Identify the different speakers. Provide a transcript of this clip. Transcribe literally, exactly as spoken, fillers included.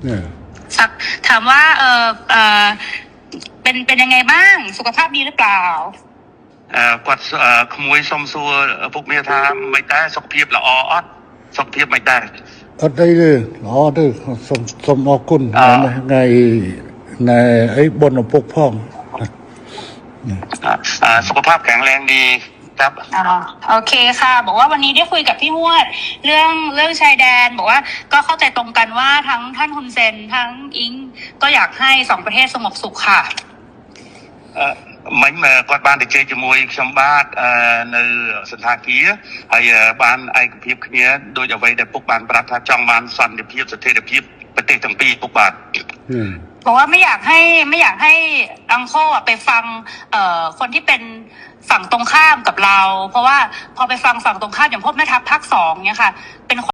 Speaker 1: สักถามว่าเออเออเป็นเป็นยังไงบ้างสุขภาพดีหรือเปล่า
Speaker 2: เอ่อគាត់ក្មួយសុំសួរពុកមាថាមិនដែរសុខភាពល្អអត់សុខភាពមិនដែរ
Speaker 3: អត់អីទេល្អទេសូមសូមអរគុណថ្ងៃថ្ងៃអីបុណ្យឪពុកផង
Speaker 2: สุขภาพแข็งแรงดีครับ
Speaker 1: โอเคค่ะบอกว่าวันนี้ได้คุยกับพี่มวดเรื่องเรื่องชายแดนบอกว่าก็เข้าใจตรงกันว่าทั้งท่านฮุนเซนทั้งอิงก็อยากให้สองประเทศสงบสุขค่ะ
Speaker 2: មិញគាត់បានទៅជែកជាមួយខ្ញុំបាទនៅសន្តាគារហើយបានឯកភាពគ្នាដោយអ្វីដែលពុកបានប្រាប់ថាចង់បានសន្តិភាពស្ថិរភាពប្រទេសទាំងពីរពុកបាទ
Speaker 1: บอกว่าไม่อยากให้ไม่อยากให้อังโคไปฟังเอ่อคนที่เป็นฝั่งตรงข้ามกับเราเพราะว่าพอไปฟังฝั่งตรงข้ามอย่างพวกแม่ทัพภาคสองเนี่ยค่ะเป็น